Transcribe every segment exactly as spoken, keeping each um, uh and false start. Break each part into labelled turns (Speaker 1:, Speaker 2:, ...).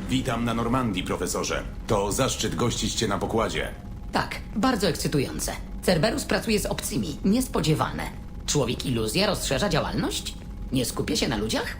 Speaker 1: Witam na Normandii, profesorze. To zaszczyt gościć cię na pokładzie.
Speaker 2: Tak, bardzo ekscytujące. Cerberus pracuje z obcymi. Niespodziewane. Człowiek iluzja rozszerza działalność? Nie skupia się na ludziach?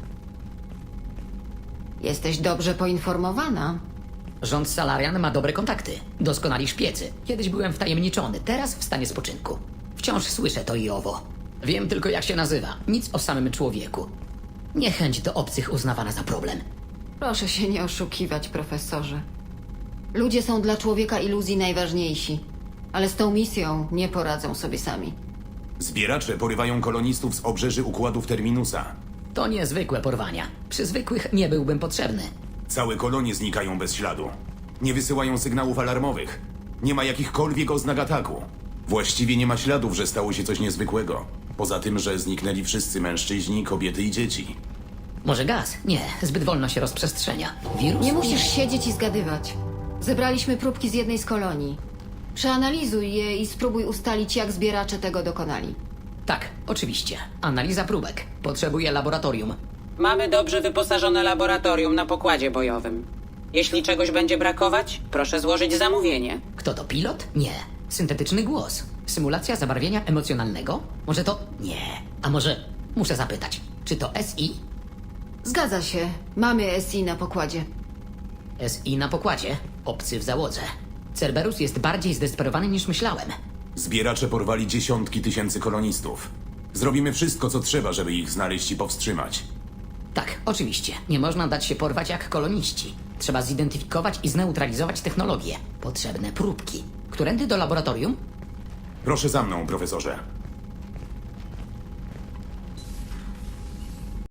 Speaker 3: Jesteś dobrze poinformowana.
Speaker 2: Rząd Salarian ma dobre kontakty. Doskonali szpiecy. Kiedyś byłem wtajemniczony, teraz w stanie spoczynku. Wciąż słyszę to i owo. Wiem tylko, jak się nazywa. Nic o samym człowieku. Niechęć do obcych uznawana za problem.
Speaker 3: Proszę się nie oszukiwać, profesorze. Ludzie są dla człowieka iluzji najważniejsi, ale z tą misją nie poradzą sobie sami.
Speaker 1: Zbieracze porywają kolonistów z obrzeży układów Terminusa.
Speaker 2: To niezwykłe porwania. Przy zwykłych nie byłbym potrzebny.
Speaker 1: Całe kolonie znikają bez śladu. Nie wysyłają sygnałów alarmowych. Nie ma jakichkolwiek oznak ataku. Właściwie nie ma śladów, że stało się coś niezwykłego. Poza tym, że zniknęli wszyscy mężczyźni, kobiety i dzieci.
Speaker 2: Może gaz? Nie, zbyt wolno się rozprzestrzenia. Wirus?
Speaker 3: Nie musisz siedzieć i zgadywać. Zebraliśmy próbki z jednej z kolonii. Przeanalizuj je i spróbuj ustalić, jak zbieracze tego dokonali.
Speaker 2: Tak, oczywiście. Analiza próbek. Potrzebuję laboratorium.
Speaker 4: Mamy dobrze wyposażone laboratorium na pokładzie bojowym. Jeśli czegoś będzie brakować, proszę złożyć zamówienie.
Speaker 2: Kto to, pilot? Nie. Syntetyczny głos. Symulacja zabarwienia emocjonalnego? Może to... Nie. A może... Muszę zapytać. Czy to S I?
Speaker 3: Zgadza się. Mamy S I na pokładzie.
Speaker 2: S I na pokładzie. Obcy w załodze. Cerberus jest bardziej zdesperowany niż myślałem.
Speaker 1: Zbieracze porwali dziesiątki tysięcy kolonistów. Zrobimy wszystko, co trzeba, żeby ich znaleźć i powstrzymać.
Speaker 2: Tak, oczywiście. Nie można dać się porwać jak koloniści. Trzeba zidentyfikować i zneutralizować technologię. Potrzebne próbki. Którędy do laboratorium?
Speaker 1: Proszę za mną, profesorze.